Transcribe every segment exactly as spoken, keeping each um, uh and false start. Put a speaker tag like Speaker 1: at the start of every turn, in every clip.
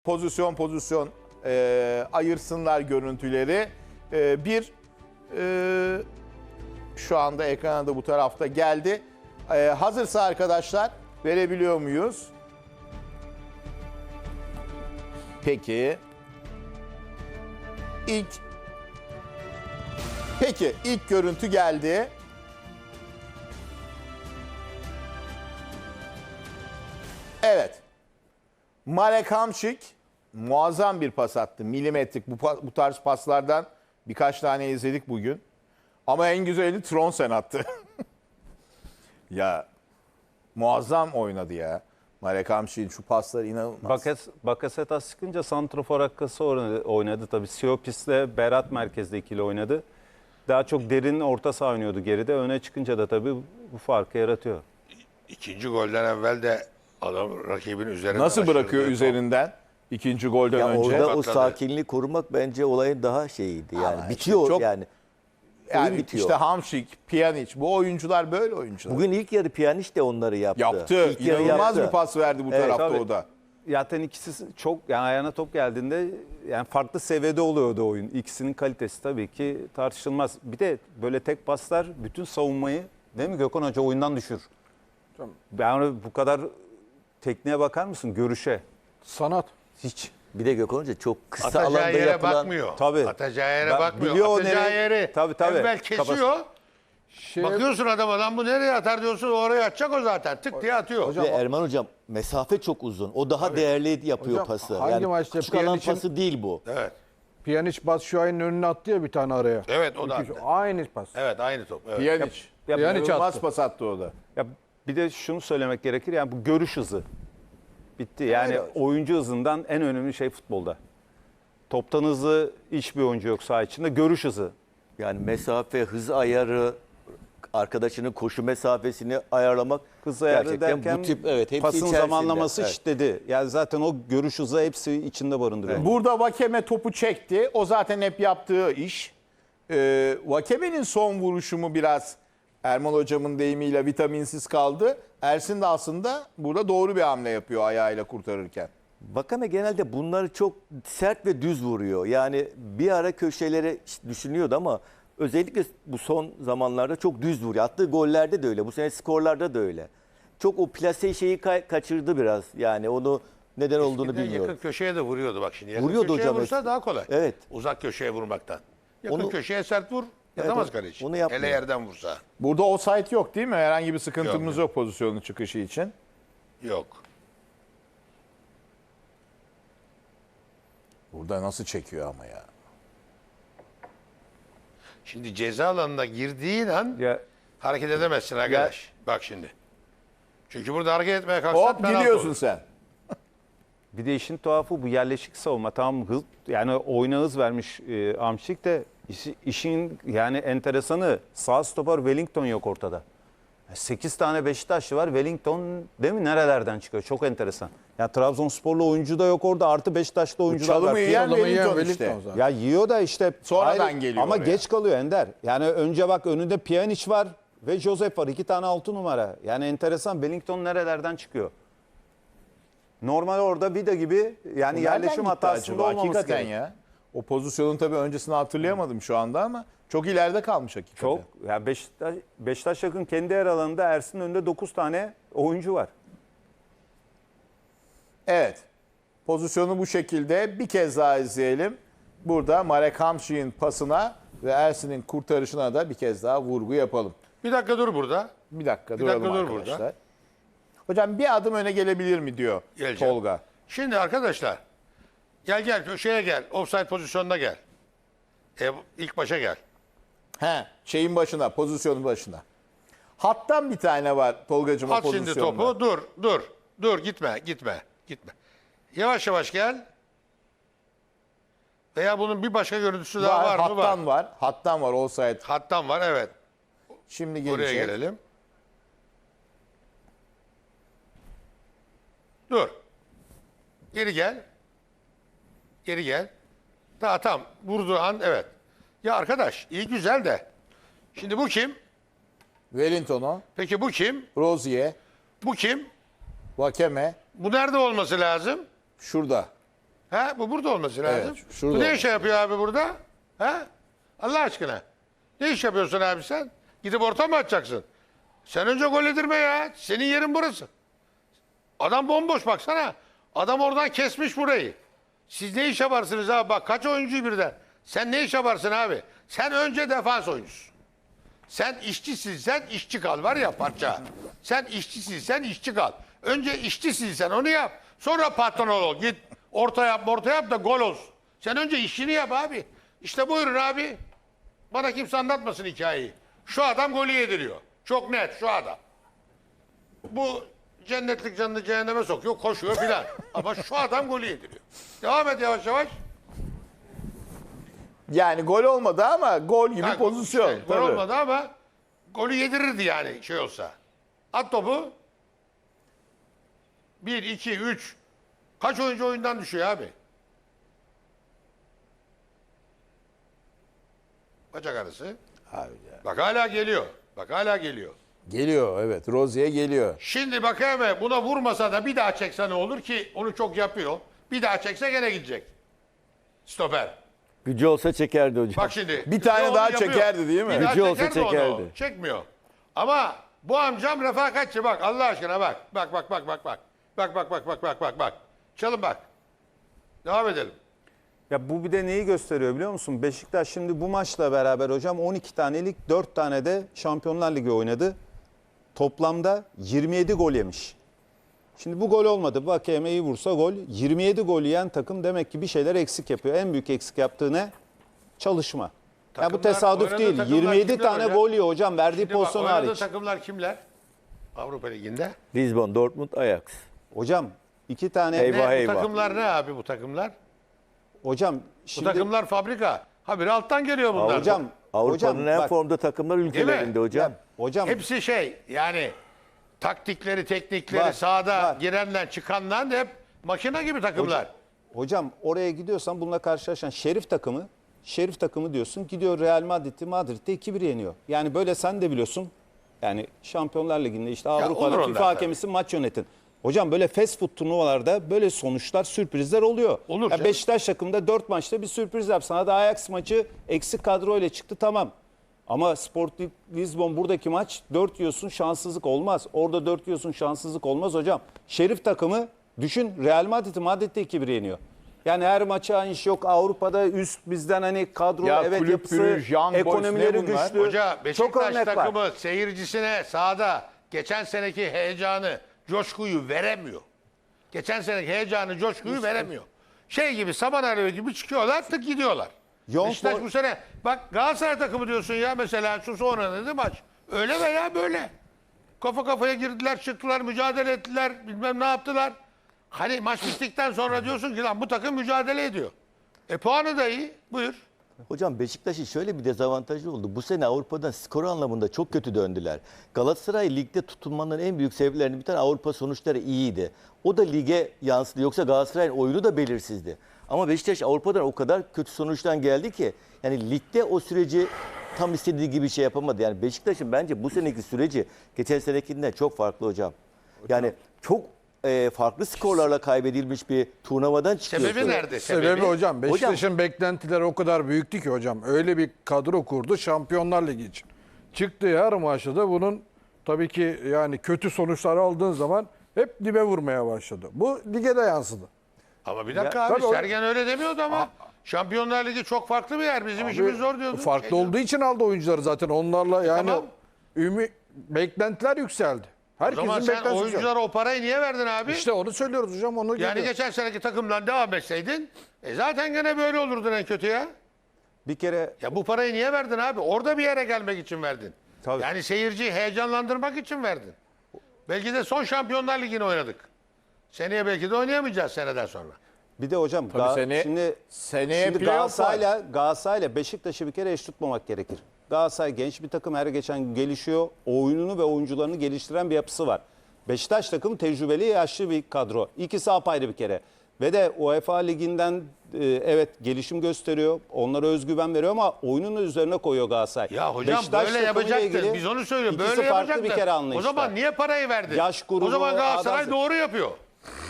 Speaker 1: pozisyon pozisyon e, ayırsınlar görüntüleri. E, bir e, şu anda ekrana da bu tarafta geldi. E, hazırsa arkadaşlar verebiliyor muyuz? Peki. İlk Peki ilk görüntü geldi. Evet. Marek Hamšík muazzam bir pas attı. Milimetrik bu, bu tarz paslardan birkaç tane izledik bugün. Ama en güzeli Trondsen attı. Ya muazzam oynadı ya. Marek Hamšík'in şu pasları inanılmaz.
Speaker 2: Bakas, Bakasetas çıkınca santrafor hakkası oynadı, oynadı tabii. Siopis'le Berat merkezde ikili oynadı. Daha çok derin orta saha oynuyordu geride. Öne çıkınca da tabii bu farkı yaratıyor.
Speaker 3: İkinci golden evvel de adam rakibin üzerine
Speaker 1: Nasıl bırakıyor
Speaker 3: aşırı
Speaker 1: üzerinden ikinci golden
Speaker 4: Ya
Speaker 1: önce?
Speaker 4: orada o
Speaker 3: Patladı.
Speaker 4: sakinliği korumak bence olayın daha şeyiydi yani.
Speaker 1: Ama
Speaker 4: Bitiyor
Speaker 1: işte çok-
Speaker 4: yani.
Speaker 1: Yani
Speaker 4: oyun bitiyor.
Speaker 1: işte Hamšík, Pjanić bu oyuncular böyle oyuncular.
Speaker 4: Bugün ilk yarı Pjanić de onları yaptı.
Speaker 1: yaptı.
Speaker 4: İlk yarı
Speaker 1: İnanılmaz
Speaker 4: yaptı.
Speaker 1: bir pas verdi bu
Speaker 4: Evet,
Speaker 1: tarafta
Speaker 2: tabii.
Speaker 1: o da.
Speaker 2: Zaten ikisi çok, yani ayağına top geldiğinde yani farklı seviyede oluyordu oyun. İkisinin kalitesi tabii ki tartışılmaz. Bir de böyle tek paslar bütün savunmayı, değil mi Gökhan Hoca, oyundan düşür. Yani bu kadar tekniğe bakar mısın? Görüşe.
Speaker 5: Sanat.
Speaker 2: Hiç.
Speaker 4: Bir de Gökhan Hoca çok kısa
Speaker 3: Atacağı
Speaker 4: alanda
Speaker 3: yere
Speaker 4: yapılan...
Speaker 3: bakmıyor.
Speaker 2: Tabii.
Speaker 3: Atacağı yere
Speaker 2: Ben-
Speaker 3: bakmıyor.
Speaker 2: biliyor o
Speaker 3: Atacağı
Speaker 2: nereye-
Speaker 3: yeri
Speaker 2: Tabii, tabii.
Speaker 3: evvel kesiyor.
Speaker 5: Şey,
Speaker 3: Bakıyorsun adam adam bu nereye atar diyorsun, oraya atacak o zaten. Tık diye atıyor.
Speaker 4: Ve Erman Hocam mesafe çok uzun. O daha değerli yapıyor
Speaker 5: Hocam,
Speaker 4: pası.
Speaker 5: hangi
Speaker 4: Yani
Speaker 5: maçta
Speaker 4: küçük alan
Speaker 5: Pjanic'in-
Speaker 4: pası değil bu.
Speaker 3: Evet.
Speaker 5: Pjanić Batshuayi'nin önüne attı ya bir tane araya.
Speaker 3: Evet o da
Speaker 5: İki-
Speaker 3: attı.
Speaker 5: Aynı pas.
Speaker 3: Evet aynı top. Evet.
Speaker 1: Pjanić.
Speaker 2: Ya-
Speaker 5: Pjanić
Speaker 1: İnanılmaz
Speaker 5: attı.
Speaker 1: pas attı o da.
Speaker 2: Ya bir de şunu söylemek gerekir, yani bu görüş hızı. Bitti. Yani
Speaker 1: Öyle.
Speaker 2: oyuncu hızından en önemli şey futbolda. Toptan hızlı hiçbir oyuncu yok saha içinde. Görüş hızı.
Speaker 4: Yani mesafe, hız ayarı, arkadaşının koşu mesafesini ayarlamak
Speaker 2: Hız ayarı
Speaker 4: gerçekten
Speaker 2: derken
Speaker 4: bu tip evet hepsi
Speaker 2: pasın
Speaker 4: içerisinde.
Speaker 2: zamanlaması
Speaker 4: Evet.
Speaker 2: işledi. Yani zaten o görüş hızı hepsi içinde barındırıyor.
Speaker 1: Burada Vakeme topu çekti. O zaten hep yaptığı iş. Ee, Vakeme'nin son vuruşu mu biraz Erman Hocam'ın deyimiyle vitaminsiz kaldı. Ersin de aslında burada doğru bir hamle yapıyor ayağıyla kurtarırken.
Speaker 4: Vakame genelde bunları çok sert ve düz vuruyor. Yani bir ara köşelere düşünüyordu ama özellikle bu son zamanlarda çok düz vuruyor. Attığı gollerde de öyle. Bu sene skorlarda da öyle. Çok o plase şeyi kay- kaçırdı biraz. Yani onu neden olduğunu
Speaker 3: Eskiden
Speaker 4: bilmiyorum.
Speaker 3: yakın köşeye de vuruyordu bak şimdi. Yakın
Speaker 4: Vuruyordu
Speaker 3: köşeye
Speaker 4: hocam
Speaker 3: vursa
Speaker 4: eski-
Speaker 3: daha kolay.
Speaker 4: Evet.
Speaker 3: Uzak köşeye vurmaktan. Yakın
Speaker 4: Onu-
Speaker 3: köşeye sert vur. Yatamaz
Speaker 4: Evet,
Speaker 3: kaleci.
Speaker 4: onu yapmıyor.
Speaker 3: Hele yerden vursa.
Speaker 1: Burada offside yok değil mi? Herhangi bir sıkıntımız
Speaker 3: Yok.
Speaker 1: yok pozisyonun çıkışı için.
Speaker 3: Yok.
Speaker 1: Burada nasıl çekiyor ama ya.
Speaker 3: Şimdi ceza alanına girdiğin an
Speaker 2: Ya
Speaker 3: hareket edemezsin arkadaş. Bak şimdi. Çünkü burada hareket etmeye kalksan
Speaker 1: Hop
Speaker 3: penaltı
Speaker 1: gidiyorsun
Speaker 3: olur.
Speaker 1: sen.
Speaker 2: bir de işin tuhafı bu yerleşik savunma. Tamam hız, yani oyuna hız vermiş e, Hamšík de işi- işin yani enteresanı sağ stoper Wellington yok ortada. sekiz tane Beşiktaşlı var. Wellington değil mi? Nerelerden çıkıyor? Çok enteresan. Ya Trabzonsporlu oyuncu da yok orada. Artı Beşiktaşlı oyuncular
Speaker 1: çalımı
Speaker 2: var.
Speaker 1: yiyen
Speaker 5: Adamı yiyen
Speaker 1: Wellington
Speaker 5: Wellington
Speaker 1: işte.
Speaker 5: zaten.
Speaker 2: Ya yiyor da işte
Speaker 1: Sonradan geliyor
Speaker 2: ama
Speaker 1: oraya.
Speaker 2: geç kalıyor Ender. Yani önce bak önünde Pjanić var ve Josef var. İki tane altı numara. Yani enteresan. Wellington nerelerden çıkıyor? Normal orada Vida gibi yani
Speaker 1: Nereden
Speaker 2: yerleşim
Speaker 1: gitti
Speaker 2: hatasında
Speaker 1: acaba?
Speaker 2: olmaması
Speaker 1: Hakikaten
Speaker 2: gerek.
Speaker 1: ya. O pozisyonun tabii öncesini hatırlayamadım şu anda ama çok ileride kalmış hakikaten.
Speaker 2: Çok. Yani Beşiktaş, Beşiktaş yakın kendi yer alanında Ersin'in önünde dokuz tane oyuncu var.
Speaker 1: Evet. Pozisyonu bu şekilde bir kez daha izleyelim. Burada Marek Hamšík'in pasına ve Ersin'in kurtarışına da bir kez daha vurgu yapalım.
Speaker 3: Bir dakika dur burada.
Speaker 1: Bir dakika
Speaker 3: Bir
Speaker 1: duralım
Speaker 3: dakika dur
Speaker 1: arkadaşlar.
Speaker 3: burada.
Speaker 1: Hocam bir adım öne gelebilir mi diyor
Speaker 3: Geleceğim.
Speaker 1: Tolga.
Speaker 3: Şimdi arkadaşlar gel gel köşeye gel. Offside pozisyonuna gel. E, ilk başa gel.
Speaker 1: He, şeyin başına, pozisyonun başına. Hattan bir tane var Tolgacığım o
Speaker 3: At şimdi
Speaker 1: pozisyonda.
Speaker 3: topu. Dur, dur. Dur gitme, gitme, gitme. Yavaş yavaş gel. Veya bunun bir başka görüntüsü daha var, mı?
Speaker 1: Hattan
Speaker 3: Var.
Speaker 1: var. Hattan var offside.
Speaker 3: Hattan var, evet.
Speaker 1: Şimdi
Speaker 3: Buraya
Speaker 1: gelecek.
Speaker 3: gelelim. Dur. Geri gel. Geri gel. Daha tam vurduğu an evet. Ya arkadaş iyi güzel de. Şimdi bu kim?
Speaker 1: Wellington'u,
Speaker 3: Peki bu kim?
Speaker 1: Rozier,
Speaker 3: Bu kim?
Speaker 1: Vakeme
Speaker 3: Bu nerede olması lazım?
Speaker 1: şurada.
Speaker 3: Ha, bu burada olması lazım.
Speaker 1: Evet, şurada
Speaker 3: bu ne
Speaker 1: olması
Speaker 3: iş yapıyor abi burada? Ha? Allah aşkına. Ne iş yapıyorsun abi sen? Gidip orta mı atacaksın? Sen önce gol yedirme ya. Senin yerin burası. Adam bomboş baksana. Adam oradan kesmiş burayı. Siz ne iş yaparsınız abi? Bak kaç oyuncuyu birden. Sen ne iş yaparsın abi? Sen önce defans oyuncusun. Sen işçisin, sen işçi kal var ya parça. Sen işçisin, sen işçi kal. Önce işçisin sen onu yap. Sonra patron ol. Git orta yap, orta yap da gol olsun. Sen önce işini yap abi. İşte buyurun abi. Bana kimse anlatmasın hikayeyi. Şu adam golü yediriyor. Çok net şu adam. Bu cennetlik canını cehenneme sokuyor, koşuyor filan. Ama şu adam golü yediriyor. Devam et yavaş yavaş.
Speaker 1: Yani gol olmadı ama gol gibi
Speaker 3: Ha,
Speaker 1: pozisyon.
Speaker 3: işte, gol
Speaker 1: tabii.
Speaker 3: olmadı ama golü yedirirdi yani şey olsa. At topu. Bir, iki, üç. Kaç oyuncu oyundan düşüyor abi? Bacak arası.
Speaker 1: Abi ya.
Speaker 3: Bak hala geliyor. Bak hala geliyor.
Speaker 1: Geliyor evet. Rozi'ye geliyor.
Speaker 3: Şimdi bak hemen buna vurmasa da bir daha çekse ne olur ki? Onu çok yapıyor. Bir daha çekse gene gidecek. Stoper.
Speaker 4: Gücü olsa çekerdi hocam.
Speaker 3: Bak şimdi.
Speaker 1: Bir tane
Speaker 3: onu
Speaker 1: daha
Speaker 3: yapıyor.
Speaker 1: çekerdi değil mi?
Speaker 3: Bir daha
Speaker 4: Gücü olsa
Speaker 3: çeker mi onu?
Speaker 4: çekerdi.
Speaker 3: Çekmiyor. Ama bu amcam refakatçi bak Allah aşkına bak. Bak bak bak bak bak. Bak bak bak bak bak bak bak. Çalın bak. Devam edelim.
Speaker 2: Ya bu bir de neyi gösteriyor biliyor musun? Beşiktaş şimdi bu maçla beraber hocam on iki tanelik dört tane de Şampiyonlar Ligi oynadı. Toplamda yirmi yedi gol yemiş. Şimdi bu gol olmadı. Bak iyi vursa gol. yirmi yedi gol yiyen takım demek ki bir şeyler eksik yapıyor. En büyük eksik yaptığı ne? Çalışma. Ya bu
Speaker 3: Takımlar-
Speaker 2: tesadüf
Speaker 3: oynadığı
Speaker 2: değil.
Speaker 3: takımlar
Speaker 2: yirmi yedi
Speaker 3: kimler
Speaker 2: tane
Speaker 3: hocam?
Speaker 2: gol yiyor hocam verdiği
Speaker 3: Şimdi bak,
Speaker 2: pozisyon
Speaker 3: oynadığı
Speaker 2: hariç.
Speaker 3: takımlar kimler? Avrupa Ligi'nde.
Speaker 4: Lisbon, Dortmund, Ajax.
Speaker 2: Hocam iki tane
Speaker 4: Eyvah.
Speaker 3: Ne, bu
Speaker 4: eyvah.
Speaker 3: takımlar ne abi bu takımlar?
Speaker 2: hocam
Speaker 3: Bu
Speaker 2: şimdi
Speaker 3: takımlar fabrika. Habire alttan geliyor bunlar.
Speaker 2: hocam
Speaker 4: Avrupa'nın
Speaker 2: hocam
Speaker 4: en
Speaker 2: bak,
Speaker 4: formda takımlar ülkelerinde hocam.
Speaker 2: hocam
Speaker 3: Hepsi şey yani taktikleri, teknikleri
Speaker 2: Var,
Speaker 3: sahada
Speaker 2: var.
Speaker 3: girenler, çıkanlar hep makine gibi takımlar.
Speaker 2: Hocam oraya gidiyorsan bununla karşılaşan Şerif takımı, Şerif takımı diyorsun gidiyor Real Madrid'i Madrid'de iki bir yeniyor. Yani böyle sen de biliyorsun. Yani Şampiyonlar Ligi'nde işte
Speaker 3: olur
Speaker 2: Avrupa'da
Speaker 3: onlar
Speaker 2: FIFA
Speaker 3: tabii.
Speaker 2: hakemisi maç yönetin. Hocam böyle fast food turnuvalarda böyle sonuçlar, sürprizler oluyor.
Speaker 3: Olur
Speaker 2: Ya
Speaker 3: canım.
Speaker 2: Beşiktaş takımında dört maçta bir sürpriz yap. Sana da Ajax maçı eksik kadroyla çıktı tamam. Ama Sporting Lisbon buradaki maç dört yiyorsun şanssızlık olmaz. Orada dört yiyorsun şanssızlık olmaz hocam. Şerif takımı düşün Real Madrid'i Madrid'de iki bir yeniyor. Yani her maça aynı iş yok. Avrupa'da üst bizden hani kadro
Speaker 1: Ya
Speaker 2: evet
Speaker 1: kulüp
Speaker 2: yapısı,
Speaker 1: Brugge, Young Boys,
Speaker 2: ekonomileri
Speaker 1: ne bunlar?
Speaker 2: güçlü.
Speaker 3: Hoca
Speaker 2: Çok
Speaker 3: Beşiktaş
Speaker 2: örnek var.
Speaker 3: takımı seyircisine sahada geçen seneki heyecanı, coşkuyu veremiyor. Geçen seneki heyecanı, coşkuyu veremiyor. Şey gibi saman alevi gibi çıkıyorlar tık gidiyorlar.
Speaker 2: Young
Speaker 3: Beşiktaş
Speaker 2: Boy-
Speaker 3: bu sene bak Galatasaray takımı diyorsun ya mesela şu sonra dedi maç. Öyle veya böyle. Kafa kafaya girdiler, çıktılar, mücadele ettiler, bilmem ne yaptılar. Hani maç bittikten sonra diyorsun ki lan bu takım mücadele ediyor. E puanı da iyi. Buyur.
Speaker 4: Hocam Beşiktaş'ın şöyle bir dezavantajı oldu. Bu sene Avrupa'dan skor anlamında çok kötü döndüler. Galatasaray ligde tutulmanın en büyük sebeplerinden bir tane Avrupa sonuçları iyiydi. O da lige yansıdı. Yoksa Galatasaray'ın oyunu da belirsizdi. Ama Beşiktaş Avrupa'dan o kadar kötü sonuçtan geldi ki yani ligde o süreci tam istediği gibi şey yapamadı. Yani Beşiktaş'ın bence bu seneki süreci geçen senekinden çok farklı hocam. Yani çok e, farklı skorlarla kaybedilmiş bir turnuvadan çıkıyor.
Speaker 3: Sebebi nerede?
Speaker 5: Sebebi hocam Beşiktaş'ın beklentileri o kadar büyüktü ki hocam. Öyle bir kadro kurdu Şampiyonlar Ligi için. Çıktığı her maçta da bunun tabii ki yani kötü sonuçlar aldığın zaman hep dibe vurmaya başladı. Bu lige de yansıdı.
Speaker 3: Ama bir dakika
Speaker 5: Ya,
Speaker 3: abi
Speaker 5: tabii o-
Speaker 3: Sergen öyle demiyordu ama Şampiyonlar Ligi çok farklı bir yer. Bizim işimiz zor diyordu.
Speaker 5: Farklı
Speaker 3: Şey
Speaker 5: olduğu için aldı oyuncuları zaten. Onlarla yani
Speaker 3: tamam.
Speaker 5: ümit beklentiler yükseldi.
Speaker 3: O
Speaker 5: Herkesin
Speaker 3: zaman sen
Speaker 5: beklentisi yükseldi.
Speaker 3: oyunculara o parayı niye verdin abi?
Speaker 5: İşte onu söylüyoruz hocam. Onu
Speaker 3: yani
Speaker 5: geliyor.
Speaker 3: geçen seneki takımdan devam etseydin e zaten gene böyle olurdun en kötü ya.
Speaker 2: Bir kere
Speaker 3: Ya bu parayı niye verdin abi? Orada bir yere gelmek için verdin.
Speaker 2: Tabii.
Speaker 3: Yani seyirciyi heyecanlandırmak için verdin. Belki de son Şampiyonlar Ligi'ni oynadık. Seneye belki de oynayamayacağız seneden sonra.
Speaker 2: bir de hocam
Speaker 1: Tabii
Speaker 2: Ga-
Speaker 1: sene-
Speaker 2: şimdi
Speaker 1: seneye
Speaker 2: şimdi
Speaker 1: playoff var.
Speaker 2: Galatasaray'la Galatasaray'la Beşiktaş'ı bir kere eş tutmamak gerekir. Galatasaray genç bir takım her geçen gün gelişiyor. Oyununu ve oyuncularını geliştiren bir yapısı var. Beşiktaş takımı tecrübeli yaşlı bir kadro. İkisi apayrı bir kere. Ve de UEFA Ligi'nden e, evet gelişim gösteriyor. Onlara özgüven veriyor ama oyunun üzerine koyuyor Galatasaray.
Speaker 3: Ya hocam
Speaker 2: Beşiktaş
Speaker 3: böyle
Speaker 2: takımıyla
Speaker 3: yapacaktın.
Speaker 2: ilgili
Speaker 3: Biz onu söylüyoruz.
Speaker 2: ikisi
Speaker 3: Böyle
Speaker 2: farklı
Speaker 3: yapacaktın.
Speaker 2: bir kere
Speaker 3: O
Speaker 2: anlayışlar.
Speaker 3: zaman niye parayı verdin?
Speaker 2: Yaş grubu,
Speaker 3: o zaman Galatasaray
Speaker 2: adam-
Speaker 3: doğru yapıyor.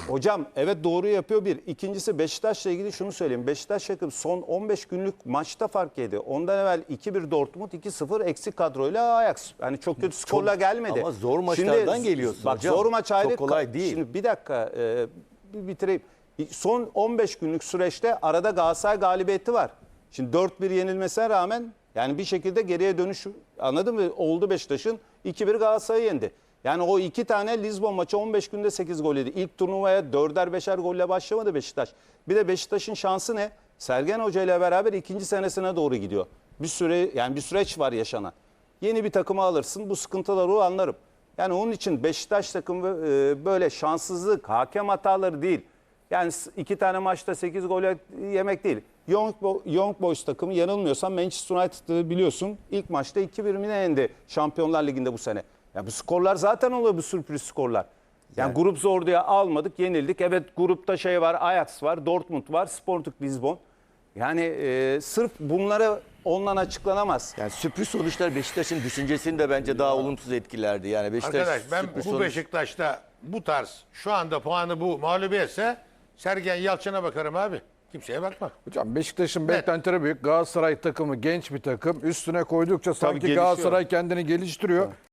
Speaker 2: Hocam evet doğru yapıyor bir. İkincisi Beşiktaş'la ilgili şunu söyleyeyim. Beşiktaş takım son on beş günlük maçta fark yedi. Ondan evvel iki bir Dortmund, iki sıfır eksik kadroyla Ajax. Yani çok kötü skorla gelmedi.
Speaker 4: ama zor maçlardan geliyorsun
Speaker 2: Bak
Speaker 4: hocam.
Speaker 2: zor maç ayrı.
Speaker 4: Çok kolay değil.
Speaker 2: Şimdi bir dakika e, bir bitireyim. Son on beş günlük süreçte arada Galatasaray galibiyeti var. Şimdi dört bir yenilmesine rağmen yani bir şekilde geriye dönüş anladın mı? Oldu Beşiktaş'ın iki bir Galatasaray'ı yendi. Yani o iki tane Lizbon maçı on beş günde sekiz gol yedi. İlk turnuvaya dörder beşer golle başlamadı Beşiktaş. Bir de Beşiktaş'ın şansı ne? Sergen Hoca ile beraber ikinci senesine doğru gidiyor. Bir süre yani bir süreç var yaşanan. Yeni bir takımı alırsın bu sıkıntıları o anlarım. Yani onun için Beşiktaş takımı e, böyle şanssızlık, hakem hataları değil. Yani iki tane maçta sekiz gol yemek değil. Young, Bo- Young Boys takımı yanılmıyorsam Manchester United'ı biliyorsun. İlk maçta iki bir mi ne yendi Şampiyonlar Ligi'nde bu sene. Ya bu skorlar zaten oluyor bu sürpriz skorlar. Yani, grup zor diye almadık, yenildik. Evet grupta şey var, Ajax var, Dortmund var, Sporting Lisbon. Yani e, sırf bunları ondan açıklanamaz.
Speaker 4: Yani sürpriz sonuçlar Beşiktaş'ın düşüncesini de bence daha olumsuz etkilerdi. Yani Beşiktaş
Speaker 3: Arkadaş ben
Speaker 4: sürpriz
Speaker 3: bu
Speaker 4: sonuç-
Speaker 3: Beşiktaş'ta bu tarz şu anda puanı bu mağlubiyetse Sergen Yalçın'a bakarım abi. Kimseye bakma.
Speaker 5: Hocam Beşiktaş'ın
Speaker 3: Evet.
Speaker 5: beklentileri büyük. Galatasaray takımı genç bir takım. Üstüne koydukça sanki
Speaker 2: gelişiyor.
Speaker 5: Galatasaray kendini geliştiriyor.